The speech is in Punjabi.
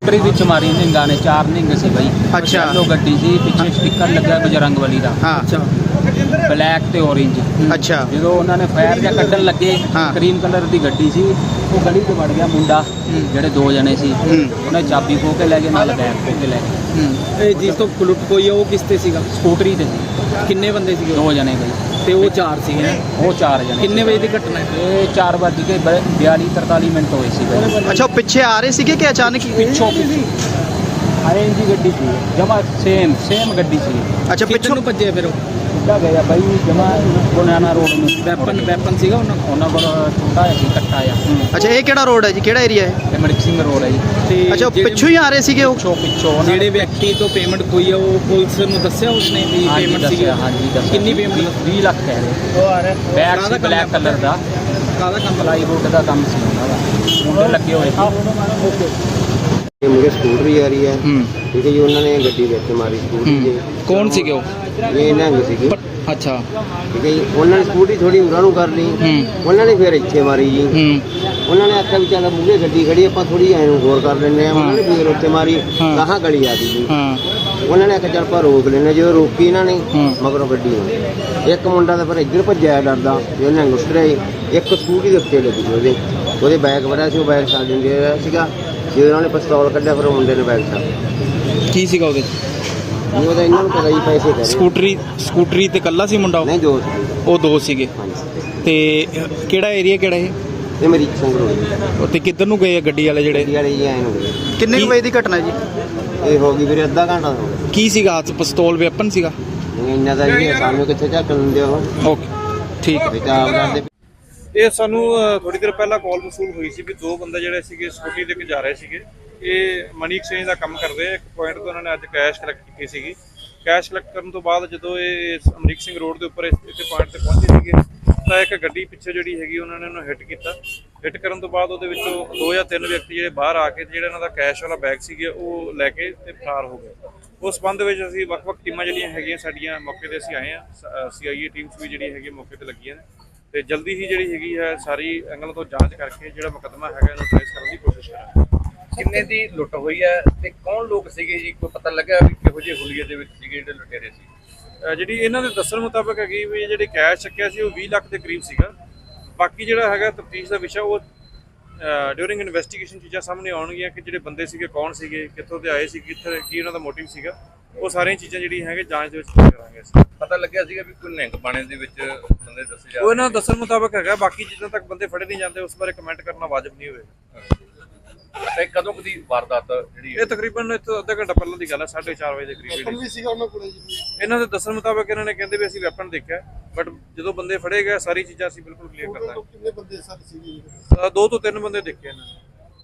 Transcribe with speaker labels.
Speaker 1: ਸਕੂਟਰੀ ਵਿੱਚ ਮਾਰੀ ਨਿੰਗਾ ਨੇ, 4 ਨਿੰਗ ਸੀ ਬਈ।
Speaker 2: ਅੱਛਾ।
Speaker 1: ਲੋ ਗੱਡੀ ਸੀ, ਪਿੱਛੇ ਸਟicker ਲੱਗਾ ਬਜਰੰਗਬਲੀ ਦਾ।
Speaker 2: ਹਾਂ।
Speaker 3: ਅੱਛਾ
Speaker 1: ਬਲੈਕ ਤੇ ਔਰੇਂਜ।
Speaker 2: ਅੱਛਾ।
Speaker 1: ਜਦੋਂ ਉਹਨਾਂ ਨੇ ਫਾਇਰ ਜਾਂ ਕੱਢਣ ਲੱਗੇ,
Speaker 2: ਹਾਂ।
Speaker 1: ਕਰੀਮ ਕਲਰ ਦੀ ਗੱਡੀ ਸੀ, ਉਹ ਗਲੀ 'ਚ ਵੜ ਗਿਆ ਮੁੰਡਾ, ਜਿਹੜੇ 2 ਜਣੇ ਸੀ। ਉਹਨੇ ਚਾਬੀ ਖੋਹ ਕੇ ਲੈ ਗਏ, ਨਾਲ ਬੈਗ ਖੋਹ ਕੇ ਲੈ ਗਏ।
Speaker 3: ਇਹ ਜਿਸ ਤੋਂ ਲੁੱਟ ਹੋਈ ਹੈ ਉਹ ਕਿਸ ਤੇ ਸੀਗਾ?
Speaker 1: ਸਕੂਟਰੀ ਤੇ ਸੀ।
Speaker 3: ਕਿੰਨੇ ਬੰਦੇ ਸੀਗੇ?
Speaker 1: 2 ਜਣੇ ਬਈ।
Speaker 3: ਤੇ ਉਹ 4 ਸੀਗੇ?
Speaker 1: ਉਹ 4 ਜਣੇ।
Speaker 3: ਕਿੰਨੇ ਵਜੇ ਦੀ ਘਟਨਾ ਹੈ?
Speaker 1: ਇਹ 4:42-43 ਮਿੰਟ ਹੋਏ ਸੀ ਬਈ।
Speaker 2: ਅੱਛਾ, ਉਹ ਪਿੱਛੇ ਆ ਰਹੇ ਸੀਗੇ ਕਿ ਅਚਾਨਕ ਹੀ?
Speaker 1: ਪਿੱਛੋਂ ਆਰੇਂਜ ਦੀ ਗੱਡੀ ਸੀ, ਜਮਾ ਸੇਮ ਗੱਡੀ ਸੀ।
Speaker 2: ਅੱਛਾ,
Speaker 3: ਪਿੱਛੋਂ ਨੂੰ ਭੱਜੇ ਫਿਰ ਉਹ?
Speaker 1: ਸਿੱਧਾ ਗਿਆ ਬਾਈ, ਜਮਾ ਗੁਨਾਨਾ ਰੋਡ ਨੂੰ।
Speaker 3: ਵੈਪਨ ਸੀਗਾ
Speaker 1: ਉਹਨਾਂ ਕੋਲ ਛੋਟਾ ਜਿਹਾ ਸੀ, ਕੱਟਾ ਆ।
Speaker 2: ਅੱਛਾ, ਇਹ ਕਿਹੜਾ ਰੋਡ ਹੈ ਜੀ, ਕਿਹੜਾ ਏਰੀਆ ਹੈ?
Speaker 1: ਤੇ ਮੜਕ ਸਿੰਘ ਰੋਡ ਹੈ ਜੀ।
Speaker 3: ਤੇ
Speaker 2: ਅੱਛਾ, ਉਹ ਪਿੱਛੋਂ ਹੀ ਆ ਰਹੇ ਸੀਗੇ ਉਹ?
Speaker 1: ਪਿੱਛੋਂ ਉਹਨਾਂ
Speaker 3: ਜਿਹੜੇ ਵਿਅਕਤੀ ਤੋਂ ਪੇਮੈਂਟ ਹੋਈ ਹੈ ਉਹ ਪੁਲਿਸ ਨੂੰ ਦੱਸਿਆ ਉਸਨੇ ਵੀ ਪੇਮੈਂਟ ਸੀਗੀ?
Speaker 1: ਹਾਂਜੀ ਦੱਸਿਆ।
Speaker 3: ਕਿੰਨੀ ਪੇਮੈਂਟ?
Speaker 1: 20 ਲੱਖ ਕਹਿ ਰਹੇ।
Speaker 3: ਉਹ ਆ ਰਿਹਾ
Speaker 1: ਬੈਗ ਸੀ ਬਲੈਕ ਕਲਰ ਦਾ।
Speaker 3: ਕਾਹਦਾ ਕੰਮ?
Speaker 1: ਪਲਾਈਵੁੱਡ ਦਾ ਕੰਮ ਸੀ ਉਹਨਾਂ ਦਾ, ਮੁੰਡੇ ਲੱਗੇ ਹੋਏ ਸੀ।
Speaker 4: ਇਹ ਮੁੰਡੇ ਸਕੂਟਰੀ ਆ ਰਹੀ ਹੈ, ਠੀਕ ਹੈ ਜੀ। ਉਹਨਾਂ ਨੇ ਗੱਡੀ ਵਿੱਚ ਮਾਰੀ ਸਕੂਟਰੀ ਦੇ।
Speaker 3: ਕੌਣ ਸੀਗੇ ਉਹ?
Speaker 4: ਇਹ ਨਿਹੰਗ ਸੀਗੇ,
Speaker 3: ਅੱਛਾ
Speaker 4: ਠੀਕ ਹੈ ਜੀ। ਉਹਨਾਂ ਨੇ ਸਕੂਟਰੀ ਥੋੜੀ ਉਰਾਂ ਨੂੰ ਕਰ ਲਈ, ਉਹਨਾਂ ਨੇ ਫਿਰ ਇੱਥੇ ਮਾਰੀ ਜੀ। ਉਹਨਾਂ ਨੇ ਆਖਿਆ ਵੀ ਚੱਲ ਮੂਹਰੇ ਗੱਡੀ ਖੜੀ, ਆਪਾਂ ਥੋੜੀ ਐਂ ਨੂੰ ਗੌਰ ਕਰ ਲੈਂਦੇ ਆ। ਉਹਨਾਂ ਨੇ ਫਿਰ ਉੱਥੇ ਮਾਰੀ, ਗਾਹਾਂ ਗਲੀ ਆ ਗਈ ਜੀ। ਉਹਨਾਂ ਨੇ ਆਖਿਆ ਚੱਲ ਆਪਾਂ ਰੋਕ ਲੈਂਦੇ। ਜਦੋਂ ਰੋਕੀ ਇਹਨਾਂ ਨੇ, ਮਗਰੋਂ ਗੱਡੀ ਹੋਈ। ਇੱਕ ਮੁੰਡਾ ਤਾਂ ਫਿਰ ਇੱਧਰ ਭੱਜਿਆ ਡਰਦਾ, ਇਹ ਨਿਹੰਗ ਉਤਰਿਆ। ਇੱਕ ਸਕੂਟਰੀ ਦੇ ਉੱਤੇ ਲੱਗੀ ਉਹਦੇ ਬੈਗ ਵੜਿਆ ਸੀ, ਉਹ ਬੈਗ ਛੱਡ ਦਿੰਦੇ ਸੀਗਾ। ਜਦੋਂ ਉਹਨਾਂ ਨੇ ਪਿਸਤੌਲ ਕੱਢਿਆ, ਫਿਰ ਉਹ ਮੁੰਡੇ ਨੇ ਬੈਗ ਛੱਡ।
Speaker 3: ਕੀ ਸੀਗਾ ਉਹਦੇ?
Speaker 4: ਉਹਦਾ ਇਹਨਾਂ ਨੂੰ ਪਤਾ ਜੀ ਪੈਸੇ ਕਰੇ।
Speaker 3: ਸਕੂਟਰੀ ਤੇ ਕੱਲਾ ਸੀ ਮੁੰਡਾ?
Speaker 4: ਨਹੀਂ, 2 ਸੀ।
Speaker 3: ਉਹ 2 ਸੀਗੇ।
Speaker 4: ਹਾਂਜੀ।
Speaker 3: ਤੇ ਕਿਹੜਾ ਏਰੀਆ ਕਿਹੜਾ ਇਹ?
Speaker 4: ਇਹ ਮੇਰੀ ਸੰਗਰੂਰ
Speaker 3: ਤੇ ਕਿੱਧਰ ਨੂੰ ਗਏ ਆ ਗੱਡੀ ਵਾਲੇ ਜਿਹੜੇ?
Speaker 4: ਗੱਡੀ ਵਾਲੇ ਜੀ ਆਏ ਨੂੰ ਗਏ।
Speaker 2: ਕਿੰਨੇ ਕੁ ਵਜੇ ਦੀ ਘਟਨਾ ਜੀ?
Speaker 4: ਇਹ ਹੋ ਗਈ ਵੀਰੇ ਅੱਧਾ ਘੰਟਾ ਹੋ ਗਿਆ।
Speaker 3: ਕੀ ਸੀਗਾ ਹੱਥ? ਪਿਸਤੌਲ ਵੈਪਨ ਸੀਗਾ?
Speaker 4: ਇੰਨਾ ਦਾ ਜੀ ਸਾਨੂੰ ਕਿੱਥੇ ਝੱਕ ਲੈਂਦੇ ਉਹ।
Speaker 3: ਓਕੇ, ਠੀਕ ਹੈ।
Speaker 4: ਬੇਟਾ ਕਰਦੇ।
Speaker 5: ਇਹ ਸਾਨੂੰ ਥੋੜੀ ਦੇਰ ਪਹਿਲਾਂ ਕਾਲ ਮਸੂਲ ਹੋਈ ਸੀ ਵੀ 2 ਬੰਦੇ ਜਿਹੜੇ ਸੀਗੇ ਸਕੂਟੀ ਦੇ ਕੇ ਜਾ ਰਹੇ ਸੀਗੇ। ਇਹ ਮਨੀ ਐਕਸਚੇਂਜ ਦਾ ਕੰਮ ਕਰਦੇ ਆ। ਇੱਕ ਪੁਆਇੰਟ ਤੋਂ ਉਹਨਾਂ ਨੇ ਅੱਜ ਕੈਸ਼ ਕਲੈਕਟ ਕੀਤੀ ਸੀਗੀ। ਕੈਸ਼ ਕਲੈਕਟ ਕਰਨ ਤੋਂ ਬਾਅਦ ਜਦੋਂ ਇਹ ਅਮਰੀਕ ਸਿੰਘ ਰੋਡ ਦੇ ਉੱਪਰ ਇੱਥੇ ਪੁਆਇੰਟ ਤੇ ਪਹੁੰਚੇ ਸੀਗੇ, ਤਾਂ ਇੱਕ ਗੱਡੀ ਪਿੱਛੇ ਜਿਹੜੀ ਹੈਗੀ ਉਹਨਾਂ ਨੇ ਉਹਨੂੰ ਹਿੱਟ ਕੀਤਾ। ਹਿੱਟ ਕਰਨ ਤੋਂ ਬਾਅਦ ਉਹਦੇ ਵਿੱਚੋਂ 2 ਜਾਂ 3 ਵਿਅਕਤੀ ਜਿਹੜੇ ਬਾਹਰ ਆ ਕੇ ਜਿਹੜਾ ਇਹਨਾਂ ਦਾ ਕੈਸ਼ ਵਾਲਾ ਬੈਗ ਸੀਗੇ ਉਹ ਲੈ ਕੇ ਤੇ ਫਰਾਰ ਹੋ ਗਏ। ਉਸ ਸੰਬੰਧ ਵਿੱਚ ਅਸੀਂ ਵੱਖ-ਵੱਖ ਟੀਮਾਂ ਜਿਹੜੀਆਂ ਹੈਗੀਆਂ ਸਾਡੀਆਂ ਮੌਕੇ ਤੇ ਅਸੀਂ ਆਏ ਹਾਂ। CIA ਟੀਮਸ ਵੀ ਜਿਹੜੀ ਹੈਗੀ ਮੌਕੇ ਤੇ ਲੱਗੀਆਂ ਨੇ, ਤੇ ਜਲਦੀ ਹੀ ਜਿਹੜੀ ਹੈਗੀ ਹੈ ਸਾਰੀ ਐਂਗਲ ਤੋਂ ਜਾਂਚ ਕਰਕੇ ਜਿਹੜਾ ਮੁਕੱਦਮਾ ਹੈਗਾ ਇਹਨੂੰ ਟ੍ਰੇਸ ਕਰਨ ਦੀ ਕੋਸ਼ਿਸ਼ ਕਰਾਂਗੇ।
Speaker 6: ਕਿੰਨੇ ਦੀ ਲੁੱਟ ਹੋਈ ਹੈ ਤੇ ਕੌਣ ਲੋਕ ਸੀਗੇ ਜੀ? ਕੋਈ ਪਤਾ ਲੱਗਾ ਵੀ ਕਿਹੋ ਜਿਹੇ ਹੁਲੀਏ ਦੇ ਵਿੱਚ ਸੀਗੇ ਜਿਹੜੇ ਲੁਟੇਰੇ ਸੀ?
Speaker 5: ਜਿਹੜੀ ਇਹਨਾਂ ਦੇ ਦੱਸਣ ਮੁਤਾਬਕ ਹੈਗੀ ਵੀ ਜਿਹੜੇ ਕੈਸ਼ ਚੱਕਿਆ ਸੀ ਉਹ 20 ਲੱਖ ਦੇ ਕਰੀਬ ਸੀਗਾ। ਬਾਕੀ ਜਿਹੜਾ ਹੈਗਾ ਤਫਤੀਸ਼ ਦਾ ਵਿਸ਼ਾ, ਉਹ ਡਿਊਰਿੰਗ ਇਨਵੈਸਟੀਗੇਸ਼ਨ ਚੀਜ਼ਾਂ ਸਾਹਮਣੇ ਆਉਣਗੀਆਂ ਕਿ ਜਿਹੜੇ ਬੰਦੇ ਸੀਗੇ ਕੌਣ ਸੀਗੇ, ਕਿੱਥੋਂ ਦੇ ਆਏ ਸੀ, ਕਿੱਥੇ ਕੀ ਉਹਨਾਂ ਦਾ ਮੋਟਿਵ ਸੀਗਾ। ਉਹ ਸਾਰੀਆਂ ਚੀਜ਼ਾਂ ਜਿਹੜੀਆਂ ਹੈਗੇ ਜਾਂਚ ਦੇ ਵਿੱਚ ਕਰਾਂਗੇ ਅਸੀਂ।
Speaker 6: ਪਤਾ ਲੱਗਿਆ ਸੀਗਾ ਵੀ ਕੋਈ ਨਿਹੰਗ ਬਾਣੇ ਦੇ ਵਿੱਚ ਬੰਦੇ ਦੱਸੇ ਜਾ
Speaker 5: ਉਹ ਇਹਨਾਂ ਦਾ ਦੱਸਣ ਮੁਤਾਬਕ ਹੈਗਾ। ਬਾਕੀ ਜਿੱਦਾਂ ਤੱਕ ਬੰਦੇ ਫੜੇ ਨਹੀਂ ਜਾਂਦੇ ਉਸ ਬਾਰੇ ਕਮੈਂਟ ਕਰਨਾ ਵਾਜਬ ਨਹੀਂ ਹੋਵੇਗਾ।
Speaker 6: ਤੇ ਕਦੋਂ ਕਦੀ ਵਾਰਦਾਤ ਜਿਹੜੀ
Speaker 5: ਇਹ ਤਕਰੀਬਨ ਇੱਥੋਂ ਅੱਧਾ ਘੰਟਾ ਪਹਿਲਾਂ ਦੀ ਗੱਲ ਹੈ, 4:30 ਵਜੇ ਦੇ ਕਰੀਬ ਵੀ ਸੀਗਾ ਉਹਨਾਂ ਕੋਲ। ਇਹਨਾਂ ਦੇ ਦੱਸਣ ਮੁਤਾਬਕ ਇਹਨਾਂ ਨੇ ਕਹਿੰਦੇ ਵੀ ਅਸੀਂ ਵੈਪਨ ਦੇਖਿਆ, ਬਟ ਜਦੋਂ ਬੰਦੇ ਫੜੇ ਗਏ ਸਾਰੀ ਚੀਜ਼ਾਂ ਅਸੀਂ ਬਿਲਕੁਲ ਕਲੀਅਰ ਕਰ ਦਾਂਗੇ। ਕਿੰਨੇ ਬੰਦੇ ਸਰ ਸੀਗੇ? 2 ਤੋਂ 3 ਬੰਦੇ ਦੇਖੇ ਇਹਨਾਂ ਨੇ।